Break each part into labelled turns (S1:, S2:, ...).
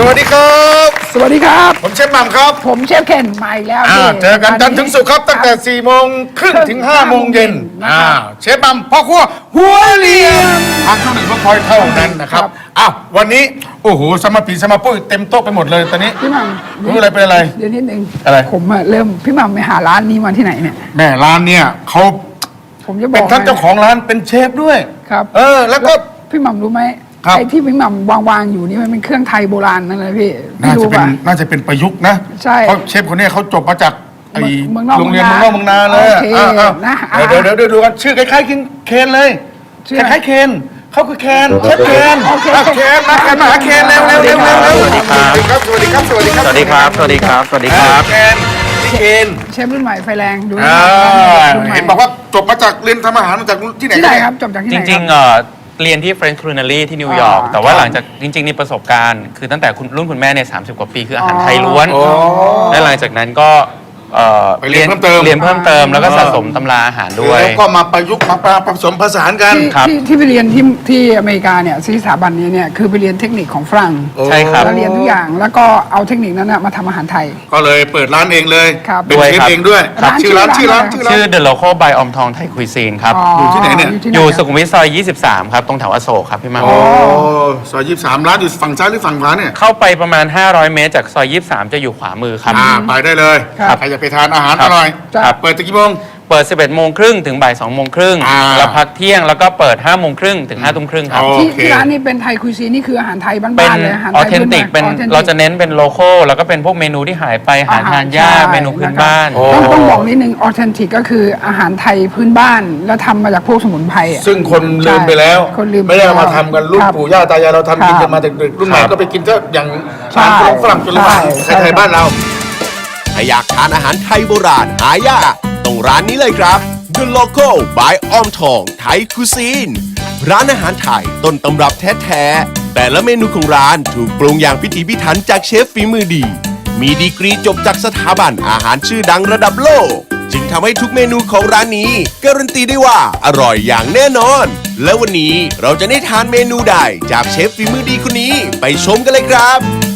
S1: วัสดีครับ
S2: สวัสดีครับ
S1: ผมเชฟหม่ำครับ
S2: ผมเชฟเคนมาอีกแล้วพี่
S1: เจอกันจันทร์ถึงศุกร์ครับตั้งแต่ 4 โมงครึ่งถึง 5 โมงเย็นเชฟหม่ำพ่อครัวหัวเหลี่ยมทางช่องหนึ่งเพื่อคอยเท่านั้นนะครับวันนี้โอ้โหสมาปีสมาปุ้ยเต็มโต๊ะไปหมดเลยตอนนี้
S2: พี่หม่ำ
S1: รู้อะไรเป็นอะไร
S2: เดี๋ยวนิดนึง
S1: อะไร
S2: ผมเริ่มพี่หม่ำไปหาร้านนี้มาที่ไหนเนี่ย
S1: แม่ร้านเนี่ยเขา
S2: ผมจะบ
S1: เป็
S2: อน ก
S1: ท่านเจ้าของร้านเป็นเชฟด้วย
S2: ครับ
S1: แล้วก็
S2: พี่หม่ำรู้ไหม
S1: ครับ
S2: ไอ้ที่พี่หม่ำวางอยู่นี่มันเป็นเครื่องไทยโบราณนั่นเลยพี่
S1: น่าจะ
S2: รู้
S1: เป็น
S2: ป่ะ
S1: น่าจะเป็นประยุกต์นะ
S2: ใช่
S1: เพราะเชฟคนนี้เขาจบมาจากไอ้
S2: เมืองนอก
S1: โรงเรียนเมืองนอกเมืองนาเลย
S2: โอเคนะ
S1: เดี๋ยวดูกันชื่อคล้ายๆเคนเลย
S2: ชื่อ
S1: ค
S2: อะไร
S1: ล้ายๆเคนเขาคือเคนเชฟเคน
S2: โอเค
S1: เคนมาหาเคนเร็วสวัสดีครับสวัสดีครับสวัสดีครับ
S3: สวัสดีครับ สวัสดีครับ สวัสดีครับ
S1: เคนพี่เคน
S2: เชฟรุ่นใหม่ไฟแรงดู รุ่นใหม่
S1: เห็นบอกว่าจบมาจากเรียนทำอาหารมาจากที่ไหน
S2: ที่ไหนครับจบจากที่
S3: จ
S2: ไหน
S3: ริง
S2: คบ
S3: ๆเรียนที่ French Culinary ที่นิวยอร์ก แต่ว่าหลังจากจริงๆนี่ประสบการณ์ คือตั้งแต่รุ่นคุณแม่เนี่ย30 กว่าปีคืออาหารไทยล้วน และหลังจากนั้นก็
S1: ไปเรียนเพิ่มเติม
S3: เรียนเพิ่มเติมแล้วก็สะสมตำราอาหารด้วย
S1: แล้วก็มาประยุกต์มาผสมผสานกัน
S3: ครับ
S2: ที่ไปเรียนที่อเมริกาเนี่ยที่สถาบันนี้เนี่ยคือไปเรียนเทคนิคของฝรั่ง
S3: ใช่ครับ
S2: แล้วเรียนทุกอย่างแล้วก็เอาเทคนิคนั้นนะมาทำอาหารไทย
S1: ก็เลยเปิดร้านเองเลย
S2: ครับ
S1: เป็นเชฟเองด้วย
S2: ครับ
S1: ชื่อร้าน
S3: ชื่อ The Local by อมทองไทยคุยซีนครับ
S1: อยู่ที่ไหนเนี่ย
S3: อยู่สุขุมวิทซอย 23 ครับ ตรงแถวอโศกครับพี่มา
S1: โอ้ซอย23ร้านอยู่ฝั่งซ้ายหรือฝั่งขวาเนี่ย
S3: เข้าไปประมาณ 500 เมตรจากซอย 23 จะอยู่ขวามือครับ
S1: ไปได้เลย
S2: ครับ
S1: ใครอยากไปทานอาหาร
S3: ครั
S1: อบ ร่อย
S2: ครับ
S1: เปิดตั้งกี่โมง
S3: เปิด 11 โมงครึ่งถึงบ่าย 2 โมงครึ่ง แล้วพักเที่ยงแล้วก็เปิด 5 โมงครึ่งถึง 5 ทุ่มครึ่งครับ
S1: โอ
S2: ที่
S1: เค
S2: ที่ร้านนี้เป็นไทยคุยซีนี่คืออาหารไทย
S3: เป็น
S2: บ้านๆเลยอาหาร
S3: ออ
S2: ไทย
S3: เทนติก เป็น
S2: authentic
S3: เราจะเน้นเป็นโลโก้แล้วก็เป็นพวกเมนูที่หายไปอาหารทานยาก
S2: ใช่
S3: เมนูพื้นบ้าน
S2: ต้องบอกนิดนึงออเทนติกก็คืออาหารไทยพื้นบ้าน แล้วทำมาจากพวกสมุนไพรอะ
S1: ซึ่งคนลืมไปแล้ว
S2: คนลืมไป
S1: ไม่ได้เอามาทำกันรุ่น
S2: ครับ
S1: ปู่ย่าตายายเราทำกิน
S2: ครั
S1: กับ นมาจากเด็กรุ่นใหม่
S3: ครับ
S1: ก็ไปกินก็อย่าง
S2: ใช่
S1: ร้านฝรั่งจนลืม
S2: ใช่
S1: ไทยบ้านเรา
S4: ถ้าอยากทานอาหารไทยโบราณหายากต้องร้านนี้เลยครับ The Local by ออมทองไทยคุซีนร้านอาหารไทยต้นตำรับแท้ๆแต่ละเมนูของร้านถูกปรุงอย่างพิถีพิถันจากเชฟฝีมือดี มีดีกรีจบจากสถาบันอาหารชื่อดังระดับโลก จึงทำให้ทุกเมนูของร้านนี้การันตีได้ว่าอร่อยอย่างแน่นอน และวันนี้เราจะได้ทานเมนูใดจากเชฟฝีมือดีคนนี้ไปชมกันเลยครับ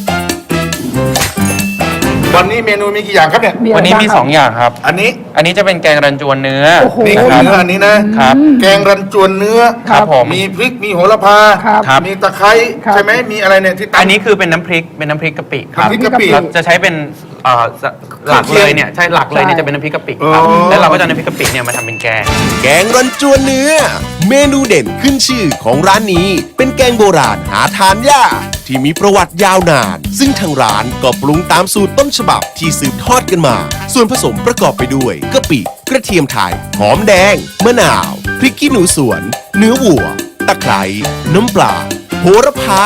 S1: วันนี้เมนูมีกี่อย่างครับเนี่ย
S3: วันนี้มี 2 อย่างครับ
S1: อันนี้
S3: อันนี้จะเป็นแกงรันจวนเนื้อ
S2: โอ้โห
S1: นี่คือเนื้ออันนี้นะครับ แกงรันจวนเนื้อ
S3: ครับผม
S1: มีพริกมีโหระพา
S2: ครับ
S1: มีตะไคร้
S2: ครับ
S1: ใช่ไหมมีอะไรเนี่ยที่ตำ
S3: อันนี้คือเป็นน้ำพริกกะปิครับ
S1: น้ำพริกกะปิ
S3: เราจะใช้เป็นหลักเลยเนี่ยใช่หลักเลยเนี่ยจะเป็นน้ำพริกกะปิครับ
S1: อ๋อ
S3: แล้วเราก็จะเอาน้ำพริกกะปิเนี่ยมาทำเป็นแกง
S4: แกงรันจวนเนื้อ เมนูเด่นขึ้นชื่อของร้านนี้เป็นแกงโบราณหาทานยากที่มีประวัติยาวนาน ซึ่งทางร้านก็ปรุงตามสูตรต้นฉบับที่สืบทอดกันมา ส่วนผสมประกอบไปด้วยกะปิกระเทียมไทยหอมแดง มะนาว พริกขี้หนูสวน เนื้อวัว ตะไคร้น้ำปลาโหระพา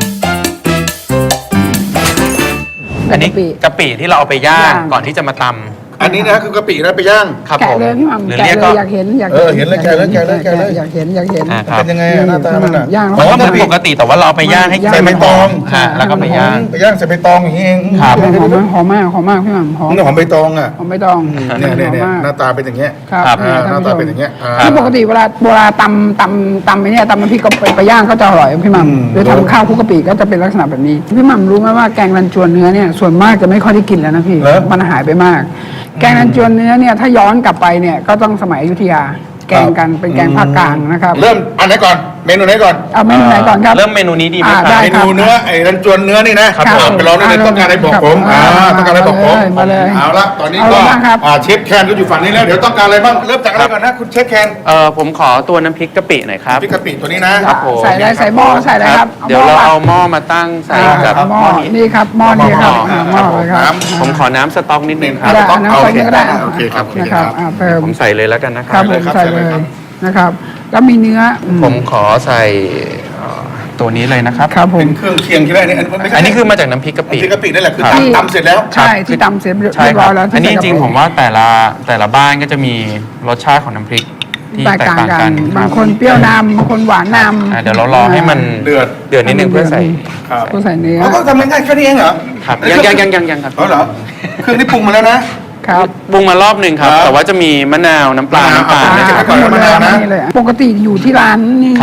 S3: อันนี้กะปิที่เราเอาไปย่างก่อนที่จะมาตำ
S1: อันนี้นะคือกะปินะไปย่าง
S3: ครับ
S2: แกะ
S3: ผม
S2: เลยพี่หม่ำ
S3: หรือ
S2: แกะ
S3: เรียก
S2: เล
S3: ก็
S2: ยอยากเห็น
S1: เห็นเลยแกะเลยแกะเลยแกะเลย
S2: อยากเห็น
S3: ครับ
S1: เป็นยังไงอะหน้าตามันอะ
S2: ย่าง
S3: มันก็
S2: แล้ว
S3: เหมือนปกติแต่ว่าเราเอาไปย่างให้
S2: ย่าง
S1: ใส่ใบตอง
S3: ฮะแล้วก็ไปย่าง
S1: ไปย่างใส่ใบตองอย่างนี้เอง
S3: ครับ
S2: หอมมากพี่หม่ำหอม
S1: นี่หอมใบตองอ่ะ
S2: หอมใบตอง
S1: เนี่ย
S2: หอมมาก
S1: หน้าตาเป็นอย่างเงี้ย
S2: ครับ
S3: ครับ
S1: หน้าตาเป็นอย่างเงี้ย
S2: คือปกติเวลาตำไอ้เนี่ยตำน้ำพริกก็ไปย่างก็จะอร่อยพี่หม่ำหรือทำข้าวคลุกกะปิก็จะเป็นลักษณะแบบนี้พี่หม่ำรู้ไหมว่าแกงรันจวนเนื้อเนี่ยส่วนมากจะไม่ค่อยได้กินแล้วนะพี่มันหายไปมาก แกงรันจวนเนื้อเนี่ยถ้าย้อนกลับไปเนี่ยก็ต้องสมัยอยุธยาแกงกันเป็นแกงภาคกลางนะครับ
S1: เริ่มอันไหนก่อนเมนูไหนก่อน
S2: เอาเมนูไหนก่อนครับ
S3: เริ่มเมนูนี้ดีไหมค
S2: ได้
S3: รับ
S1: เมนูเนื้อไอ้รันจวนเนื้อนี่นะครับ ไปลองได้เลยต้องการอะไรบอกผม ต้องการอะไรบอกผม
S2: มาเลย
S1: เอาละตอนนี้
S2: เอา
S1: ก็
S2: เลยบ้างครับ
S1: เชฟแคนก็อยู่ฝั่งนี้แล้วเดี๋ยวต้องการอะไรบ้างเริ่มจากอะไรก่อนนะคุณเชฟแคน
S3: ผมขอตัวน้ำพริกกะปิหน่อยครับ
S1: พริกกะปิตัวนี้นะครับ
S3: ผม
S2: ใส่อะไรใส่หม้อใส่อะไรครับ
S3: เดี๋ยวเราเอาหม้อมาตั้งใส่กับ
S2: หม้อนี่ครับหม้อนี่ครับหม้อเลยครับ
S3: ผมขอน้ำสต๊อกนิดนึงครับ
S2: ได้
S1: ต้อง
S2: น้ำ
S1: เอา
S2: ใส่นี่ก็ได้
S1: โอเคครับโอเค
S2: นะ
S1: ค
S2: ค
S1: รั
S2: รับบ เติม
S3: ผมใส่เลยแล้วกันนะค
S2: ครั
S3: รั
S2: บบ ผม
S1: ครับ
S2: ใส่
S1: ใส่
S2: เล
S1: เลย
S2: ย
S1: ครับ
S2: นะครับ แล้วมีเนื้อ
S3: ผมขอใส่ตัวนี้เลยนะครับ
S2: ครับผม
S1: เป็นเครื่องเคียงใช่ไหมเนี่ยไม่ใช่
S3: อันนี้คือมาจากน้ำพริกกะปิ
S1: พริกกะปินั่นแหละคือ
S2: ที่
S1: ตำเสร็จแล้ว
S2: ใช่ที่ตำเสร็จ
S3: ใช่
S2: เรียบ
S3: ค
S2: ร้
S3: รั
S2: อบ ยแล้ว
S3: อันนี้จ
S2: ที่ใส่
S3: ริงๆผมว่าแต่ละบ้านก็จะมีรสชาติของน้ำพริกที่
S2: แตก
S3: แตก
S2: ต่าง
S3: ต่าง
S2: กั
S3: กัน น
S2: บางคนเปรี้ยวนำบางคนหวานนำ
S3: เดี๋ยวเรารอให้มัน
S1: เดือด
S3: นิดนึงเพื่อใส่
S1: ครับ
S2: ก็ใส่เนื้อ
S1: เขาก็ทำง่ายๆแค่นี้เองเหรอ
S3: ครับยังครับ
S1: เหรอเครื่องนี้ปรุงมาแล้วนะ
S2: ครับ
S3: ปรุงมารอบหนึ่งครับ
S1: ครับ
S3: แต่ว่าจะมีมะนาวน้ำปลาน้ำตาล
S1: อ่า
S3: นะค
S1: ก่
S3: รั
S1: อน
S3: บ
S1: มะนาวนะ
S2: เลยปกติอยู่ที่ร้านนี่
S3: ครับ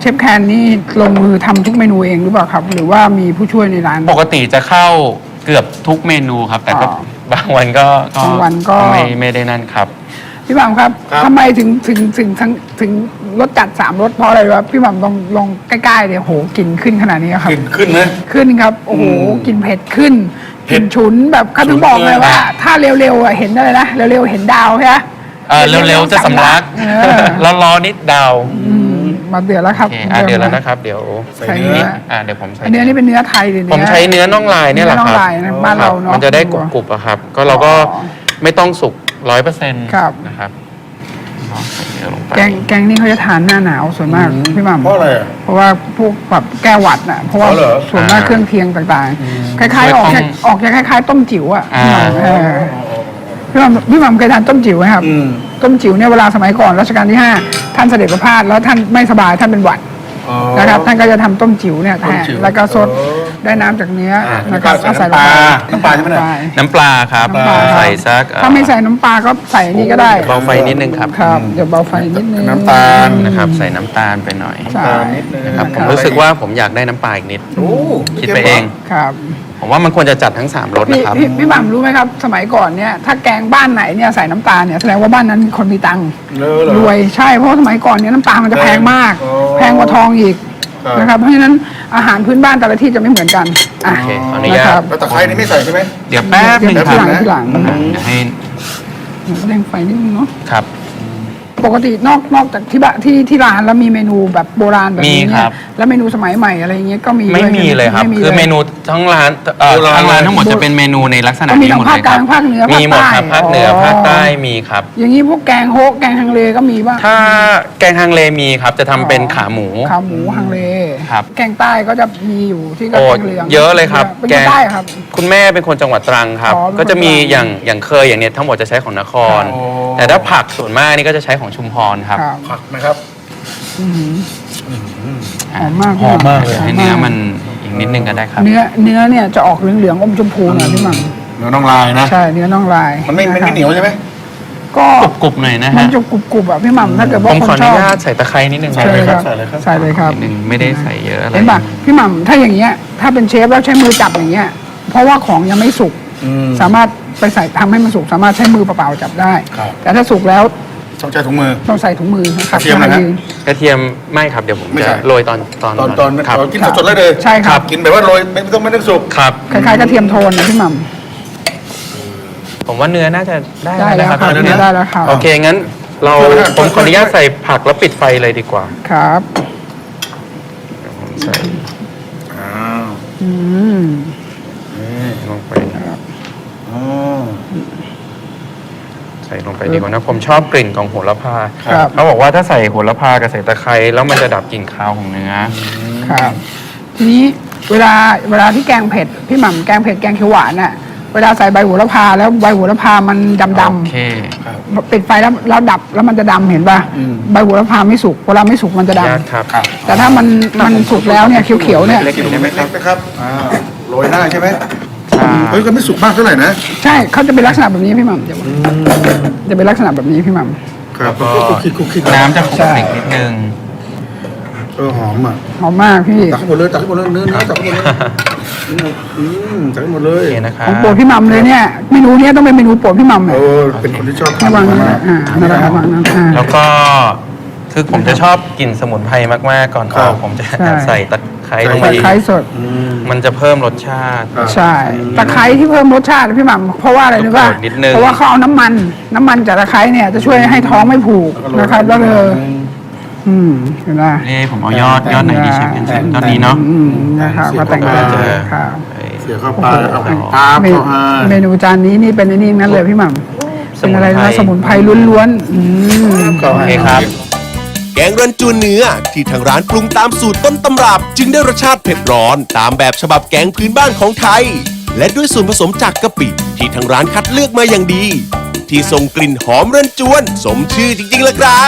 S2: ชฟแคนนี่ลงมือทำทุกเมนูเองหรือเปล่าครับ หรือว่ามีผู้ช่วยในร้าน
S3: ปกติจะเข้าเกือบทุกเมนูครับ แต่ก็
S2: อ๋อ
S3: บางวันก็
S2: บางวันก็
S3: ไม่ได้นั่นครับ
S2: พี่หม่ำครับทำไมถึงรสจัด3รสเพราะอะไรวะพี่หม่ำลองใกล้ๆเดี๋ยวโหกลิ่นขึ้นขนาดนี้ครับ
S1: กินขึ้นนะ
S2: ขึ้นครับโอ้โหกลิ่นเผ็ดขึ้น
S1: เผ็
S2: ก
S1: ด
S2: ลิ่นฉุนแบบเขาถึงบอกเลยว่า ถ้าเร็วๆอ่ะเห็นอะไรนะเร็วๆเห็นดาวใช่ไหม
S3: เร็วๆจะสำลัก ร้อนๆนิดดาว
S2: มาเดือดแล้วครับ
S3: โอเคเดี๋ยวแล้วนะครับ เดี๋ยว
S2: ใส่เนื้อ
S3: เดี๋ยวผมใส่
S2: อันนี้นี่เป็นเนื้อไทยหรือ
S3: ผมใช้เนื้อน่องลายเนี่ยแหละครับ
S2: เนื้อน่องลายนะบ้านเราเนอะ
S3: มันจะได้กรุบๆอะครับ ก็เราก็ไม่ต้องสุก100%
S2: ครับ
S3: นะครับใส่เนื้อลงไป
S2: แกงนี่เขาจะทานหน้าหนาวส่วนมากพี่หม่ำ
S1: เพราะอะไรอ่ะ
S2: เพราะว่าพวกแบบแก้หวัดน่ะเพราะว่า
S1: อ๋อเหรอ
S2: ส่วนมากเครื่องเคียงต่างๆ คล้ายๆออกจะคล้ายๆต้มจิ๋วอ่ะพี่หม่ำพี่หม่ำเคยทานต้มจิ๋วไหมครับ ต้มจิ๋วเนี่ยเวลาสมัยก่อนรัชกาลที่ 5 ท่านเสด็จประพาสแล้วท่านไม่สบายท่านเป็นหวัดนะครับท่านก็จะทำต้มจิ๋วเนี่ยแทนแล้วก็ซดได้น้ำจากเนื้อนะครับ
S1: ใส่น้ำปลาน้ำปลาใช่ไหมเนี่ย
S3: น้ำปลาครับ
S2: น้ำปลา
S3: ใส่สัก
S2: ถ้าไม่ใส่น้ำปลาก็ใส่อันนี้ก็ได้
S3: เบาไฟนิดนึงครับ
S2: ครับเดี๋ยวเบาไฟนิดนึง
S1: น้ำตาล
S3: นะครับ ใส่น้ำตาลไปหน่อย
S2: ใช่
S3: นะครับผมรู้สึกว่าผมอยากได้น้ำปลาอีกนิด
S1: โอ้
S3: คิดไปเอง
S2: ครับ
S3: ผมว่ามันควรจะจัดทั้ง3รสนะครับ
S2: พี่หม่ำรู้ไหมครับ สมัยก่อนเนี่ยถ้าแกงบ้านไหนเนี่ยใส่น้ำตาลเนี่ยแสดงว่าบ้านนั้นคนมีตังค์ รวยใช่เพราะว่าสมัยก่อนเนี่ยน้ำตาลมันจะแพงมาก
S1: อ๋อ
S2: แพงกว่าทองอีก
S1: ครับ
S2: นะครับเพราะฉะนั้นอาหารพื้นบ้านแต่ละที่จะไม่เหมือนกันอ่ะ
S3: โอเคขออนุญาต
S2: นะครับ
S1: แล้วตะไคร้นี่ไม่ใส่ใช่ไหม
S3: เดี๋ยวแป๊บหนึง
S2: เดี๋ยว
S3: ครับ
S2: ทีหลัง
S3: เดี๋ยวให้
S2: เร่งไฟนิดนึงเนาะ
S3: ครับ
S2: ปกตินอกจากที่บ้านที่ร้านแล้วมีเมนูแบบโบราณแบบนี้
S3: มีค
S2: เนี่
S3: รั
S2: ย
S3: บ
S2: แล้วเมนูสมัยใหม่อะไรอย่างเงี้ยก็มี
S3: ไม่
S2: ด้วย
S3: มีเลยครับ
S2: ไ
S3: คือเมนูทั้งร้านทั้งร้านทั้งหมดจะเป็นเมนูในลักษณะ
S2: ก็มี
S3: นี้หมดเลยค
S2: ทั้
S3: รับ
S2: งภาคกลางภาคเหนือ
S3: มีหมดครับ
S2: ภา
S3: ภา
S2: ค
S3: ค
S2: ใต้
S3: เหนือ
S2: อ๋อ
S3: ภาคใต้มีครับ
S2: อย่างนี้พวกแกงโฮะแกงฮังเลก็มีบ้าง
S3: ถ้าแกงฮังเลมีครับจะทำเป็นขาหมู
S2: ขาหมูฮังเล
S3: ครับ
S2: แกงใต้ก็จะมีอยู่ที่ก็
S3: โอ้
S2: แกงเหลือง
S3: เยอะเลยครับ
S2: เป็นแกงใต้ครับ
S3: คุณแม่เป็นคนจังหวัดตรังครับ
S2: อ๋อเป็นคน
S3: ก็จะมี
S2: ตรัง
S3: อย่างเคยอย่างเนี้ยทั้งหมดจะใช้ของนคร
S1: อ๋อ
S3: แต่ถ้าผักส่วนมากนี่ก็จะใช้ของชุมพรครับ
S2: ครับ
S1: ผักนะครับ
S2: หอมมาก
S1: หอมมากเลย
S3: ให้เนื้อมันอีกนิดนึงก็ได้ครับ
S2: เนื้อเนี่ยจะออกเหลืองๆอมชมพูหน่อยพี่หม่ำ
S1: เนื้อน้องลายนะ
S2: ใช่เนื้อน่องลาย
S1: มันไม่
S2: ะครับ
S1: เหนียวใช่ไหม
S2: ก็
S3: กรุบๆหน่อยนะ
S2: มัน
S3: ฮะ
S2: จะกรุบๆอ่ะพี่หม่ำถ้าเกิด
S3: ผ
S2: ว่าม ค
S3: ขอน อ
S2: ช
S3: นุ
S2: อบ
S3: ญาตใส่ตะไคร้นิดนึง
S1: ใส่
S3: นะ
S1: เลยครับ
S2: ใส่เลยครับ
S3: นิดนึงไม่ได้ใส่เยอะอะไร
S2: เห็นป่ะพี่หม่ำถ้าอย่างเงี้ยถ้าเป็นเชฟแล้วใช้มือจับอย่างเงี้ยเพราะว่าของยังไม่สุกสามารถไปใส่ทำให้มันสุกสามารถใช้มือเปล่าๆจับได้
S1: ครับ
S2: แต่ถ้าสุกแล้ว
S1: ต้องใช้ถุงมือ
S2: ต้องใส่ถุงมือนะครับ
S1: กระเทียมนะฮะ
S3: กระเทียมไม่ครับเดี๋ยวผม
S1: ไม่
S3: จะ
S1: ใช่
S3: โรยตอน
S1: ตอน
S3: ครับ
S1: เรากินสดๆเลยเลย
S2: ใช่ครับ
S1: กินแบบว่าโรยไม่ต้องสุก
S3: ครับ
S2: คล้ายๆกระเทียมโทนนะพี่หม่
S3: ผมว่าเนื้อน่าจะได้
S2: ได้แล้ว
S3: นะครับ
S2: ครับ
S3: ตอนนี้
S2: ได้แล้วครับ
S3: โอเคงั้นเราผมขออนุญาตใส่ผักแล้วปิดไฟเลยดีกว่า
S2: ครับ
S3: ผมใส่
S1: อ้าว
S2: อืม
S3: ลงไป
S1: อ๋อ
S3: ใส่ลงไปดีกว่านะผมชอบกลิ่นของโหระพา
S2: ครับ
S3: เขาบอกว่าถ้าใส่โหระพากับใส่ตะไคร้แล้วมันจะดับกลิ่นคาวของเนื้อ
S2: ครับทีนี้เวลาที่แกงเผ็ดพี่หม่ำแกงเผ็ดแกงเขียวหวานน่ะเวลาใส่ใบโหระพาแล้วใบโหระพามันดำ
S3: โอเค
S2: ๆปิดไฟแล้วดับแล้วมันจะดำเห็นป่ะใบโหระพาไม่สุกเวลาไม่สุกมันจะด
S3: ญาติครับ
S2: ำแต่ถ้ามันสุกแล้วเนี่ยเขียวๆเนี่ย
S3: เล็กๆได้ไหมครับ
S1: เล็กๆนะครับโรยหน้าใช่ไหม
S3: ใช่
S1: เฮ้ยก็ไม่สุกมากเท่าไหร่นะ
S2: ใช่เขาจะเป็นลักษณะแบบนี้พี่หม่ำจะเป็นลักษณะแบบนี้พี่หม่ำ
S1: ครับ
S3: ก็
S1: คุกคิด
S3: น้ำจะขม
S2: ใช่
S3: นิดนึง
S1: หอมอ่ะ
S2: หอมมากพี่
S1: ตักให้หมดเลยตักให้หมดเลยเนื้อตักให้หมดเลยตักให้หมดเล
S3: โอย เคนะครับ
S2: ของโปรดพี่หม่ำเลยเนี่ยเมนูเนี้ยต้องเป็นเมนูโปรดพี่หม่ำ
S1: โอ้
S2: เนี่ย
S1: เป็นคนที่ชอบ
S2: ระวัง
S1: ทาน
S2: นะ
S1: มาก
S2: นั่นแหละครับวางนั้น
S3: แล้วก็คือผมจะชอบกลิ่นสมุนไพรมากๆก่อนออกผมจะแอบใส่ตะไคร้ลงไป
S2: ตะ
S3: อีก
S2: ไคร้สด
S3: มันจะเพิ่มรสชาติ
S2: ใช่ตะไคร้ที่เพิ่มรสชาติพี่หม่ำเพราะว่าอะไรรู้ป่ะ
S3: นิดนึง
S2: เพราะว่าเขาเอาน้ำมันจากตะไคร้เนี่ยจะช่วยให้ท้องไม่ผูกนะครับแล้วเลยเห็นไหม
S3: นี่ผมเอายอดไหนดีเชฟเห็นตอนนี้เนาะ
S2: นะครับก็แต่งได้ครับ
S1: เสียเข้าไปเอาไปปาบ
S2: เม
S1: เข้าให้
S2: เมนูจานนี้นี่เป็นไอ้นี่นั้นเลยพี่หม่ำเป็นอะไรนะสมุนไพรล้วนๆ
S1: เข้า
S3: โอ
S1: ให้
S3: เคครับ
S4: แกงรันจวนเนื้อที่ทางร้านปรุงตามสูตรต้นตำรับ จึงได้รสชาติเผ็ดร้อนตามแบบฉบับแกงพื้นบ้านของไทย และด้วยส่วนผสมจากกะปิที่ทางร้านคัดเลือกมาอย่างดี ที่ส่งกลิ่นหอมรันจวน สมชื่อจริงๆเลยครับ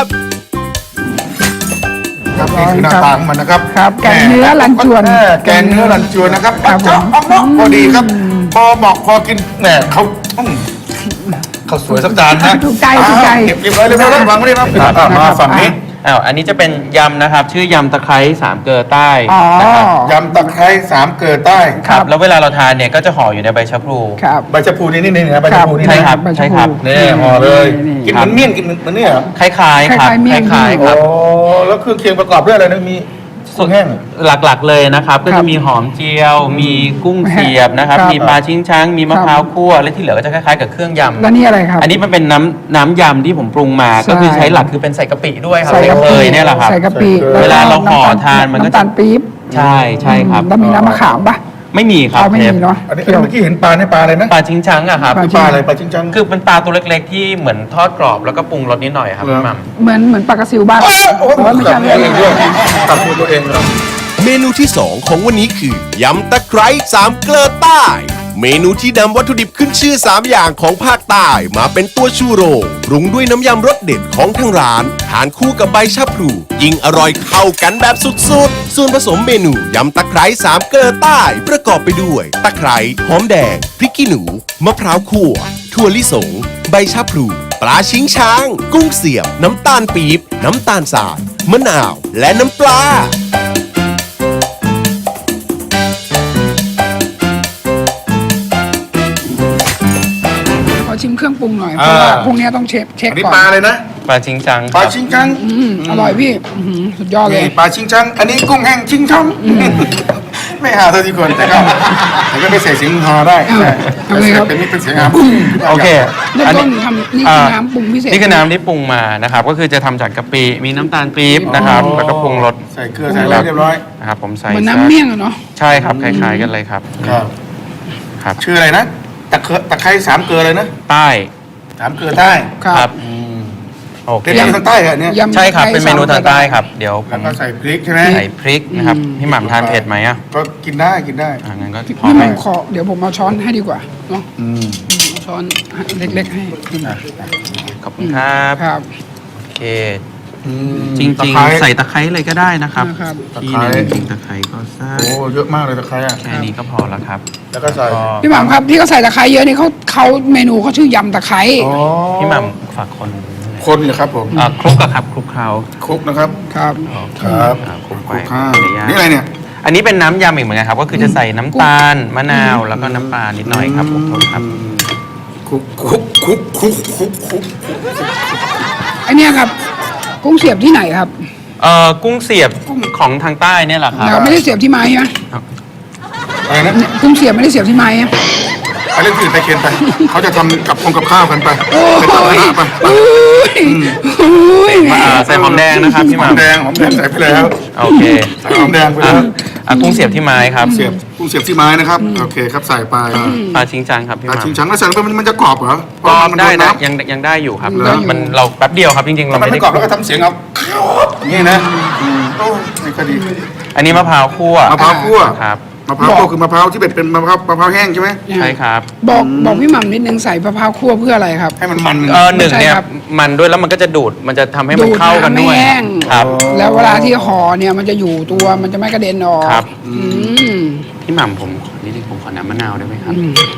S1: ครับนี่คือหน้าตาของมันนะครับ
S2: ครับแกงเนื้อรันจวน
S1: แกงเนื้อรันจวนนะครับ
S2: ครับผม
S1: เอาเนาะพอดีครับ พอเหมาะพอกินแหมเขาเขาสวยสักจานนะ
S2: ถูกใจถูกใจ
S1: เก็บไว้เรียบร้อยแล้ววางไว้เลยครับมาฝั่งนี้
S3: อันนี้จะเป็นยำนะครับ ชื่อยำตะไคร้สามเกลือใต้
S2: อ๋อ
S3: นะครับ
S1: ยำตะไคร้สามเกลือใต้
S3: ครับแล้วเวลาเราทานเนี่ยก็จะห่ออยู่ในใบชะพลู
S2: ครับ
S1: ใบชะพูนี่นะใบชะพูนี่
S3: ใช่
S1: นะครับ
S3: ใช่ครับ
S1: นี่ห่อเลย
S2: นี่
S1: กินเหมือนเมี่ยงกินเหมือนเนี่ยเหรอ
S3: คล้ายๆครับ
S2: คล้ายๆเมี่ยง
S3: คล้ายๆค
S1: โอ้
S3: รับ
S1: แล้วเครื่องเคียงประกอบด้วยอะไรนะมีกุ้งแห้ง
S3: หลักๆเลยนะครับก็
S2: ครั
S3: จะ
S2: บ
S3: มีหอมเจียว มีกุ้งเสียบนะครับ
S2: ครับ
S3: มีปลาชิงช้าง มีมะพร้าวคั่วและที่เหลือก็จะคล้ายๆกับเครื่องยำ
S2: แล้วนี่อะไรครับ
S3: อันนี้มันเป็นน้ำยำที่ผมปรุงมา
S2: ใช่
S3: ก็คือใช้หลักคือเป็นใส่กะปิด้วยครับ
S2: ใส่
S3: ใส่
S2: กะ
S3: เค
S2: ปิ
S3: ยเนี่ยแหละครับ
S2: ใส่กะปิ
S1: เว
S3: ลาเราห่อ
S2: ำตล
S3: ทานมันก็
S2: น้ำตาลปี๊บ
S3: ใช่ครับ
S2: แล้วมีน้ำมะขามปะ
S3: ไม่มีครับ
S2: เอาไม่
S3: เช
S2: มี
S3: ฟ
S2: เนาะ
S1: อันนี้เมื่อกี้เห็นปลาเนี่ยปลาอะไรนะ
S3: ปลาชิงช้างอะครับ
S2: ปลา
S1: ปลาอะไรปลาจิ้งจัง
S3: คือเป็นปลาตัวเล็กๆ ที่เหมือนทอดกรอบแล้วก็ปรุงรสนิดหน่อยครับ
S1: เหรอ
S3: พี่หมัม
S2: เหมือนปลากระซิวบ้าน
S1: โอ้โห
S2: แต่ว่าไม่
S1: ตั
S2: ใช่
S1: ด
S2: เรื่อง
S1: เองด้วยตัดตัวเองเลย
S4: เมนูที่ 2 ของวันนี้คือยำตะไคร้สามเกลือใต้ เมนูที่นำวัตถุดิบขึ้นชื่อ 3 อย่างของภาคใต้มาเป็นตัวชูโรงปรุงด้วยน้ำยำรสเด็ดของทางร้านทานคู่กับใบชะพลูยิ่งอร่อยเข้ากันแบบสุดๆ ส่วนผสมเมนูยำตะไคร้สามเกลือใต้ ประกอบไปด้วย ตะไคร้หอมแดง พริกขี้หนูมะพร้าวคั่วถั่วลิสง ใบชะพลูปลาชิงช้าง กุ้งเสียบ น้ำตาลปี๊บน้ำตาลทรายมะนาว และน้ำปลา
S2: ขอชิมเครื่องปรุงหน่อยเพราะว่าพรุ่งนี้ต้องเช็ค
S1: อันนี้
S2: ก่อน
S1: ปลาเลยนะ
S3: ปลาชิงจัง
S1: ปลาชิงจัง
S2: อร่อยพี่สุดยอดเลย
S1: นี่ปลาชิงจัง อันนี้กุ้งแห้งชิงช่องไม่หาเท่าที่ควรแต่ก็ไม่ใส่เสียงฮอได้
S2: เอาเลยครับ
S1: เป็นนี่เป็นเสียงฮา
S3: โอเค
S2: เริ่ม
S3: อัน
S2: ต้
S3: นี้
S2: นทำนี่คือน้ำปรุงพิเศษ
S3: นี่คือน้ำที่ปรุงมานะครับ ก็คือจะทำจากกะปิ มีน้ำตาลปี๊บนะครับ แล้วก็ปรุงรส
S1: ใส่เกลือใส่อะไรเรียบร้อย
S3: นะครับผมใส่
S2: เหมือน
S3: สัก
S2: น้ำเมี่ยงอะเนาะ
S3: ใช่ครับ คล้ายๆกันเลยครับ
S1: ครับ
S3: ครับ
S1: ชื่ออะไรนะตะไคร้สามเกลือเลยนะ
S3: ใต้
S1: สามเกลือใต้
S2: ครับ
S3: โอเค
S1: เป็นทางใต้เหรอเนี่ย
S2: ยำ
S3: ใช่ครับ เป็นเมนู
S2: ไทย
S3: ทางใต้ครับ เดี๋ยวผ
S1: แล้ว
S3: ม
S1: ก็ใส่พริกใช่ไหม
S3: ใส่พริกนะครับ พี่หม่ำทานเผ็ดไหมอ่ะ
S1: ก็กินได้กินได้
S3: งั้นก็พอ
S2: พี่
S3: ไห
S2: ห
S3: ม
S2: ม่ำขอเดี๋ยวผมเอาช้อนให้ดีกว่าเนาะเอาช้อนเล็กๆให้
S3: ขอบคุณครับ
S2: ครับ
S3: โอเค จริง
S1: ตะไคร้
S3: ๆ ใส่ตะไคร้เลยก็ได้นะครับ
S2: นะครับ
S3: ที่หนึ่งจริงตะไคร้ก็สัก
S1: โอ้เยอะมากเลยตะไคร้อ่ะ
S3: แค่นี้ก็พอแล้วครับ
S1: แล้วก็ใส่
S2: พี่หม่ำครับที่เขาใส่ตะไคร้เยอะนี่เขาเมนูเขาชื่อยำตะไคร้
S1: อ๋อ
S3: พี่หม่ำฝากคน
S1: คนเหรอครับผม
S3: คลุกอะครับคลุกเคล้า
S1: คลุกนะครับ
S2: ครับ
S1: ครับ
S3: คลุก
S1: ค
S3: ไป
S1: ลุกข้าว
S3: เดี๋ยวย่าง
S1: นี่อะไรเนี่ย
S3: อันนี้เป็นน้ำยำอีกเหมือนกันครับ ก็คือจะใส่น้ำตาลมะนาวแล้วก็น้ำปลานิดหน่อยครับผมโทษครับ
S1: คลุกคลุกคลุกคลุกคลุกคลุก
S2: ไอเนี้ยครับกุ้งเสียบที่ไหนครับ
S3: กุ้งเสียบของทางใต้เนี่ยแหละครับ
S2: เราไม่ได้เสียบที่ไม้ใช่ไหม
S1: อะไรนะ
S2: เนี่ยกุ้งเสียบไม่ได้เสียบที่ไม้อะ
S1: ไปเล่นที่อื่นไปเคนไปเขาจะทำกับข้าวกันไป
S2: โอ้
S1: เป็นตัว
S2: ย
S1: หน้าไป
S2: โอ้ยโอ้ย
S3: ใส่หอมแดงนะครับพี่ห
S1: หอม
S3: ม่ำ
S1: แดงใส่ไปแล้ว
S3: โอเค
S1: ใส่หอมแดงไปแล้ว
S3: กุ้งเสียบที่ไม้ครับ
S1: เสียบกุ้งเสียบที่ไม้นะครับโอเคครับใส่ไป
S3: ปลาชิงจังครับพี่
S1: ปลา
S3: หม่ำ
S1: ชิงชังแล้วใส่ลงไปมันจะกรอบเหรอ
S3: ก็ได้
S1: เพราะ
S3: นะ
S1: มันโดน
S3: ยังได้อยู่ครับ
S1: เหรอ
S3: เราแป๊บเดียวครับจริงๆ
S1: น้ำ
S3: เรา
S1: มัน
S3: ไม่
S1: ไม่
S3: ได้
S1: กรอบแล้วก็ทำเสียงเอานี่นะโอ้ไม่ค่อยดี
S3: อันนี้มะพร้าวคั่ว
S1: มะพร้าวคั่ว
S3: ครับ
S1: มะพร้าวคั่วคือมะพร้าวที่เป็นมะพร้าวแห้งใช่ไหม
S3: ใช่ครับ
S2: บอกพี่หม่ำนิดนึงใส่มะพร้าวคั่วเพื่ออะไรครับ
S1: ให้มันมัน
S3: หนึ่งเนี่ย
S2: ใช่ครับ
S3: มันด้วยแล้วมันก็จะดูดมันจะทำให้มันเข้ากันด้วย
S2: ดูดน้ำแห้ง
S3: ครับ
S2: แล้วเวลาที่ห่อเนี่ยมันจะอยู่ตัวมันจะไม่กระเด็นออก
S3: ครับ
S2: อืม
S3: พี่หม่ำผมขอนิดนึงผมขอน้ำมะนาวได้ไหมครับ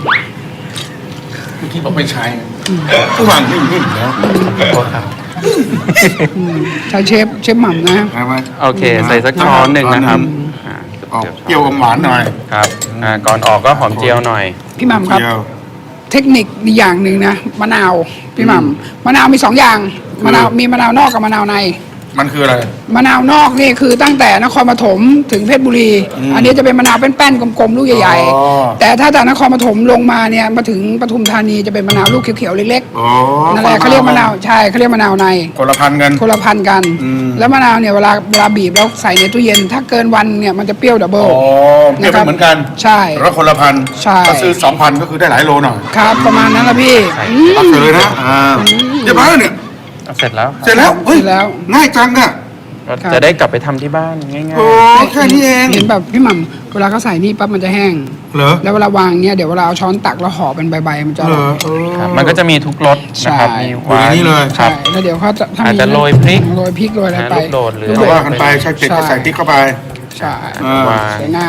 S1: เมื่อกี้ผมไปใช้ผู้วางนิ่มๆแล้ว
S3: โทษครับ
S2: ใช้เชฟหม่ำนะ
S1: ใช่ไหม
S3: โอเค ใส่สักช้อนหนึ่งนะครับอ่า
S1: ออกเปรี้ยวอมหวานหน่อย
S3: ครับก่อนออกก็หอมเจียวหน่อย
S2: พี่หม่ำครับ
S1: เปรี้ยว
S2: เทคนิคอีกอย่างหนึ่งนะมะนาวพี่หม่ำมะนาวมีสองอย่างมะนาวมีมะนาวนอกกับมะนาวใน
S1: มันคืออะไร
S2: มะนาวนอกนี่คือตั้งแต่นครปฐมถึงเพชรบุรี อันนี้จะเป็นมะนาวเป็นแป้นๆกลมๆลูกใหญ่
S1: อ๋อ
S2: ๆ แต่ถ้าจากนครปฐมลงมาเนี่ยมาถึงปทุมธานีจะเป็นมะนาวลูกเขียวๆเล็ก
S1: อ๋อ
S2: ๆนั่นแหละเขาเรียกมะนาวใช่เขาเรียกมะนาวใน
S1: คนละพันกัน
S2: คนละพันกัน แล้วมะนาวเนี่ยเวลาบีบแล้วใส่ในตู้เย็น ถ้าเกินวันเนี่ยมันจะเปรี้ยวดับเบิล
S1: อ๋อเปรี้ยวไม่เหมือนกัน
S2: ใช่
S1: แล้วคนละพัน
S2: ใช่
S1: ถ้าซื้อ 2,000 ก็คือได้หลายโลหน่อย
S2: ครับประมาณนั้นละพี่อืม
S1: ตักเลยนะเรียบร้อยแล้วเนี่ย
S3: เสร็จแล้ว
S1: เสร็จแล้วเฮ้ย
S2: เสร็จแล้ว
S1: ง่ายจังอะ
S3: ก็จะได้กลับไปทำที่บ้านง่าย
S1: โอ้แค่นี้เอง
S2: เห็นแบบพี่หม่ำเวลาเขาใส่นี่ปั๊บมันจะแห้ง
S1: เหรอ
S2: แล้วเวลาวางเนี่ยเดี๋ยวเวลาเอาช้อนตักแล้วห่อเป็นใบๆมันจะอ
S1: เหร
S2: ร่
S1: อ
S2: อย
S3: ๆครับมันก็จะมีทุกรสนะครับ
S2: ใช่
S3: มี
S1: อยู่ในนี้เลย
S3: ครั
S2: ใช่
S3: บ
S2: แล้วเดี๋ยวเขาจะถ้
S3: อาจจะ
S2: มี
S3: โรยพริก
S2: โรยพริกโรยอะไรไป
S3: ลูกโดดหรือ
S1: ก็ว่ากันไปใช่เจ็ดก็ใส่พริกเข้าไป
S2: ใช่
S1: อ่า
S3: วาง
S2: สวยงาม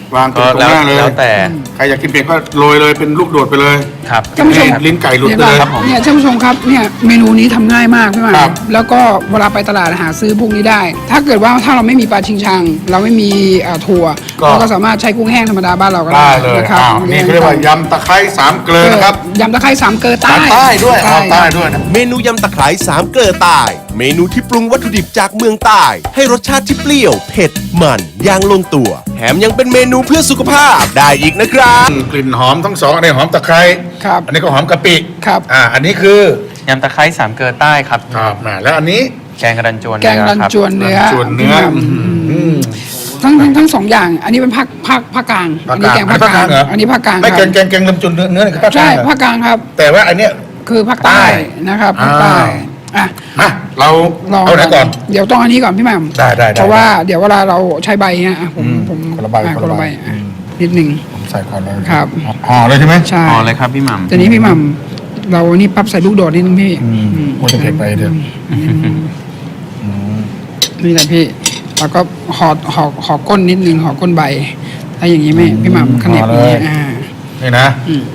S1: วางตรงหน้าเลย
S3: แล้วแต่
S1: ใครอยากกินเผ็ดก็โรยเลยเป็นลูกโดดไปเลย
S3: ครับ
S2: ท่านผู้ชม
S1: ลิ้นไก่หลุดไปเลย
S3: ครับผม
S2: เนี่ยท่านผู้ชมครับเนี่ยเมนูนี้ทำง่ายมากพี่หมา
S1: ครับ
S2: แล้วก็เวลาไปตลาดหาซื้อพวกนี้ได้ ถ้าเกิดว่าถ้าเราไม่มีปลาชิงชัง เราไม่มีถั่วเราก็สามารถใช้กุ้งแห้งธรรมดาบ้านเราก็
S1: ได้
S2: ได้
S1: เลย
S2: นะครับ
S1: อ้าวนี่เขาเรียกว่ายำตะไคร้สามเกลือนะครับ
S2: ยำตะไคร้สามเกลือใต้
S1: ใต้ด้วยเอาใต้
S2: ครับ
S1: ด้วยนะ
S4: เมนูยำตะไคร้สามเกลือใต้เมนูที่ปรุงวัตถุดิบจากเมืองใต้ให้รสชาติที่เปรี้ยวเผ็ดมันอย่างลงตัวแถมยังเป็นเมนูเพื่อสุขภาพได้อีกนะครับ
S1: กลิ่นหอมทั้งสองอันนี้หอมตะไคร้
S2: ครับ
S1: อันนี้ก็หอมกะปิ
S2: ครับ
S1: อันนี้คือย
S3: ำตะไคร้สามเกลือใต้ครับ
S1: ครับแล้วอันนี้
S3: แกงกระดันจวน
S2: แกงรัน
S3: ครับ
S2: จวนเนื้อ
S1: ส่วนเนื้อ
S2: ทั้งสองอย่าง อันนี้เป็นภาคกลาง อันนี้แกงภาคกลาง
S1: เหรอ
S2: อันนี้ภาคกลาง
S1: ไม่
S2: ค
S1: แก
S2: รับ
S1: งลำจุนเนื้อนี่คือภาคกลา
S2: ใช่
S1: งเหรอ
S2: ภาคกลางครับ
S1: แต่ว่าอันเนี้ย
S2: คือภาคใต้นะครับภาคใต้อ่ะ
S1: มาเรา
S2: ลอง
S1: เอาไหนก่อน
S2: เดี๋ยวต้องอันนี้ก่อนพี่แหม่ม
S1: ได้
S2: เพราะว่าเดี๋ยวเวลาเราใช้ใบฮะผม
S1: คนละใบ
S2: คนละใบอ่ะนิดหนึ่ง
S1: ผมใส่ก่อนเลย
S2: ครับ
S1: ห่อเลยใช่ไหม
S2: ใช่
S3: พอเลยครับพี่หม่ำ
S2: ทีนี้พี่หม่ำเรานี่ปั๊บใส่ลูกโดดนิดนึงพี่
S1: โอ้จะเผ็ดไปเดี๋ยว
S2: นี่แหละพี่แล้วก็ห่อก้นนิดนึงห่อก้นใบถ้าอย่างนี้ไม่พี่หม่ำขนาบอย่างนี้ย
S1: นี่นะ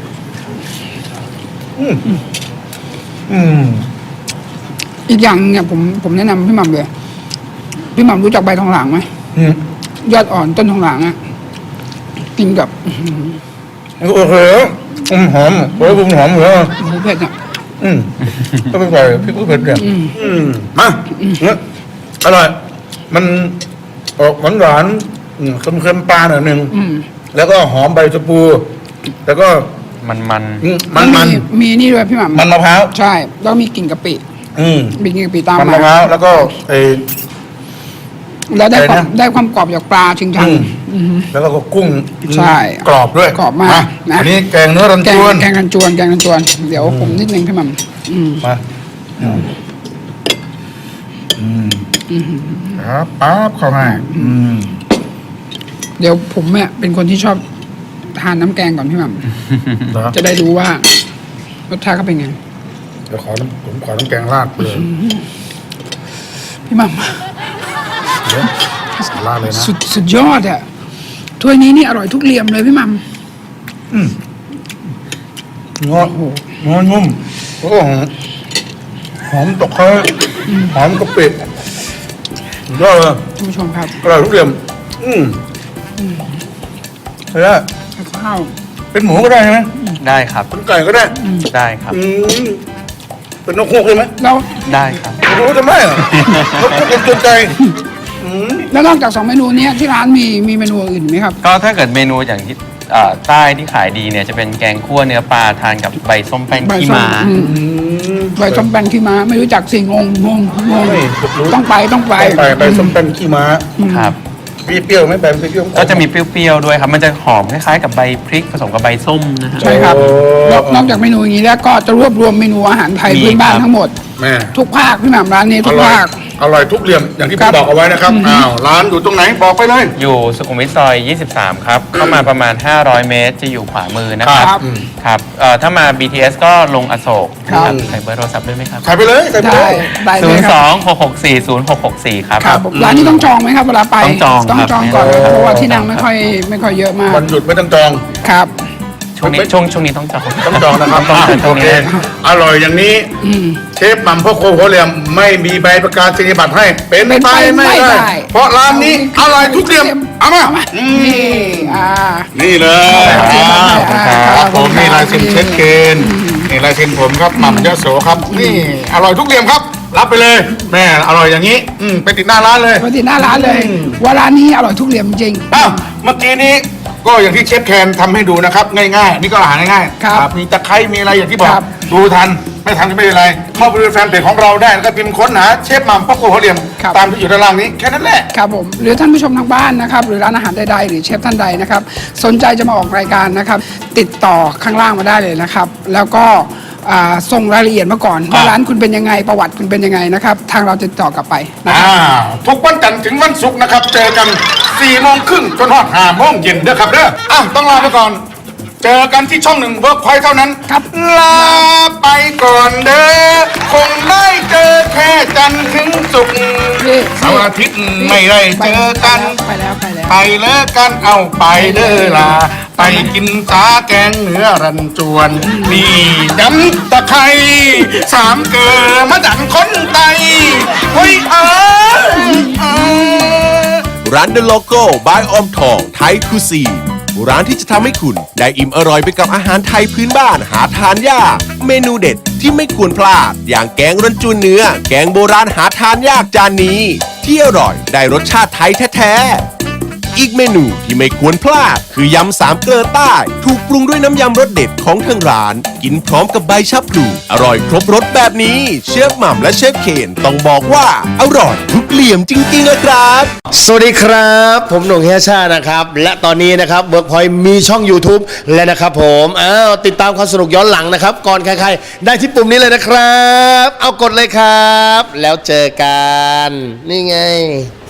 S2: อีกอย่างเนี่ยผมแนะนำพี่หม่ำเลยพี่หม่ำรู้จักใบทองหลางไหมยอดอ่อนต้นทองหลางอ่ะกินกับ
S1: โอ้โหหอมโอ้ยบุ้มหอมเหรอ
S2: หมูเผ็ดอ่ะ
S1: ก็เป็นไงพี่กุ้งเผ็ดเนี่ยมาอร่อย มันออกหวานๆเค็มๆปลาหน่อยหนึ่งแล้วก็หอมใบชะพู แล้วก็
S3: มัน
S1: มัน
S2: มีนี่ด้วยพี่หม่ำ
S1: มันมะพร้าว
S2: ใช่แล้วมีกลิ่นกะปิ มีกลิ่นกะปิตาม
S1: มัน
S2: มาม
S1: ะพร้าวแล้วก็ไอ้
S2: แล้วได้ความ
S1: อะไรนะ
S2: ได้ความกรอบจากปลาชิงชัง
S1: แล้วก็กุ้ง
S2: ใช่
S1: กรอบด้วย
S2: กรอบมากนะ
S1: อันนี้แกงเนื้อรัน
S2: แก
S1: จ
S2: ง
S1: วน
S2: แกงกันจวนเดี๋ยวผมนิดนึงพี่หม่ำ
S1: มาครับปั๊บเข้ามา
S2: เดี๋ยวผมเนี่ยเป็นคนที่ชอบทานน้ำแกงก่อนพี่หม่ำ
S1: เหรอ
S2: จะได้รู้ว่ารสชาติเขาเป็นไง
S1: เดี๋ยวผมขอน้ำแกงราดไปเลย
S2: พี่หม่
S1: เดี๋ยวราดเลยนะ
S2: ำสุดยอดอ่ะถ้วยนี้นี่อร่อยทุกเหลี่ยมเลยพี่หม่
S1: งอนุ่มโอ้โหหอมตกไคร้หอมกะปิยอดเลย
S2: ำท่านผู้ชมครับ
S1: อร่อยทุกเหลี่ยมเฮ้ย
S2: ข้าว
S1: เป็นหมูก็ได้ใช่ไหม
S3: ได้ครับ
S1: เป็นไก่ก็ได้
S3: ได้ครับ
S1: เป็นนกฮูกใช่ไหม
S2: แล้ว
S3: ได้ครับ
S1: ไม่รู้จะไม่เหรอนกฮูกเป็นตัวไก่
S2: แล้วนอกจากสองเมนูเนี้ยที่ร้านมีเมนูอื่นไหมครับ
S3: ก็ถ้าเกิดเมนูอย่างที่ใต้ที่ขายดีเนี่ยจะเป็นแกงคั่วเนื้อปลาทานกับใบส้มแป้น
S2: ใบ
S3: ขี้
S2: ส้ม
S3: ม้า
S2: ใบส้มแป้นขี้ม้าไม่รู้จักสิงงต้องไป
S1: ไปส้มแป้นขี้ม้า
S3: ครับ
S1: เปรี้ยวไหมแบบเปรี้ยว
S3: ก็จะมีเปรี้ยวๆด้วยครับ มันจะหอมคล้ายๆกับใบพริกผสมกับใบส้มนะฮะ
S2: ใช่ครับนอกจากเมนูอย่างนี้แล้วก็จะรวบรวมเมนูอาหารไทย
S3: มี
S2: พื้นบ้าน
S3: ครับ
S2: ทั้งหมด
S1: แม่
S2: ทุกภาคพี่หม่ำร้านนี้
S1: อ
S2: ทุก
S1: ร่อย
S2: ภาค
S1: อร่อยทุกเหลี่ยมอย่างที่
S2: ครั
S1: พี่
S2: บ
S1: บอกเอาไว้นะครับร้านอยู่ตรงไหนบอกไปเลย
S3: อยู่สุขุมวิทซอย 23 ครับ เข้ามาประมาณ 500 เมตร จะอยู่ขวามือนะครับ
S2: ครับ
S3: ครับถ้ามา BTS ก็ลงอโศก
S2: ครับ
S3: ใส่เบอร์โทรศัพท์ด้วยไหมครับ
S1: ขายไปเลยขายไปเล
S2: ได้
S1: ย
S2: ได้เลยครับ
S3: 02-664-0664 ครับ
S2: ครับผมร้านนี้ต้องจองไหมครับเวลาไป
S3: ต้องจอง
S2: ต้อง
S3: ครับ
S2: จองก่อน
S3: ครับ
S2: เพราะว่าที่นั่งไม่ค่อยเยอะมาก
S1: วันหยุดไม่ต้องจอง
S2: ครับ
S3: ช่วงนี้ต้องจอง
S1: ต้องจองนะครับ
S3: ต้องจอง
S1: โอเคอร่อยอย่างนี้เชฟหม่ำพ่อโคโหเหลี่ยมไม่มีใบประกาศนียบัตรให้ เป็นไปไม่ได้ เพราะร้านนี้อร่อยทุกเหลี่ยมเอามา
S2: นี่
S1: นี่เลย
S2: ขอบคุณครับ
S1: ครับผมนี่ลายเซ็นเชฟเคนนี่ลายเซ็นผมครับหม่ำยโสครับ นี่อร่อยทุกเหลี่ยมครับ รับไปเลย แม่อร่อยอย่างนี้ไปติดหน้าร้านเลย
S2: ปกติหน้าร้านเลยว่าร้านนี้อร่อยทุกเหลี่ยมจริง
S1: อ้าวเมื่อกี้นี้ก็อย่างที่เชฟแคนทำให้ดูนะครับ ง่ายๆ นี่ก็อาหารง่ายๆ
S2: ครับ
S1: มีตะไคร้มีอะไรอย่างที่บอก
S2: ครับ
S1: ดูทันไม่ทันก็ไม่เป็นไร เข้าไปดูแฟนเพจของเราได้แล้วก็พิมพ์ค้นหาเชฟหม่ำพ่อโคหัวเหลี่ยม
S2: ครับ
S1: ตามที่อยู่ด้านล่างนี้แค่นั้นแหละ
S2: ครับผมหรือท่านผู้ชมทางบ้านนะครับหรือร้านอาหารใดๆหรือเชฟท่านใดนะครับสนใจจะมาออกรายการนะครับติดต่อข้างล่างมาได้เลยนะครับแล้วก็ส่งรายละเอียดมาก่อนว่าร้านคุณเป็นยังไงประวัติคุณเป็นยังไงนะครับทางเราจะติดต่อกลับไปนะครับ
S1: ทุกวันจันทร์ถึงวันศุกร์นะครับ เจอกัน4 โมงครึ่งจนฮอด5 โมงเย็นเด้อครับเด้อต้องลาไปก่อน เจอกันที่ช่อง1 Workpoint เท่านั้น
S2: ครับ
S1: ลาไปก่อนเด้อคงได้เจอแค่จันทร์ถึงศุกร์
S2: นี่
S1: เสาร์อาทิตย์ไม่ได้เจอกัน
S2: ไปแล้ว
S1: ไปเลิกกันเอาไปเด้อลาไปกินสาแกงเหนือรันจวนนี่ดำตะไคร้สามเกลือมาดังคนไตเฮ้ย
S4: ร้าน The Logo by ออมทองไทยคุซีนร้านที่จะทำให้คุณได้อิ่มอร่อยไปกับอาหารไทยพื้นบ้านหาทานยากเมนูเด็ดที่ไม่ควรพลาดอย่างแกงรันจวนเนื้อแกงโบราณหาทานยากจานนี้ที่อร่อยได้รสชาติไทยแท้ๆอีกเมนูที่ไม่ควรพลาดคือยำสามเกลือใต้ถูกปรุงด้วยน้ำยำรสเด็ดของทางร้านกินพร้อมกับใบชะพลูอร่อยครบรสแบบนี้เชฟหม่ำและเชฟเคนต้องบอกว่าอร่อยทุกเหลี่ยมจริงๆอะครับ
S5: สวัสดีครับ ผมหนุ่มเฮียชานะครับ และตอนนี้นะครับเวิร์กพอยต์มีช่อง YouTube และนะครับผมติดตามความสนุกย้อนหลังนะครับ ก่อนใครๆ ได้ที่ปุ่มนี้เลยนะครับ เอากดเลยครับ แล้วเจอกัน นี่ไง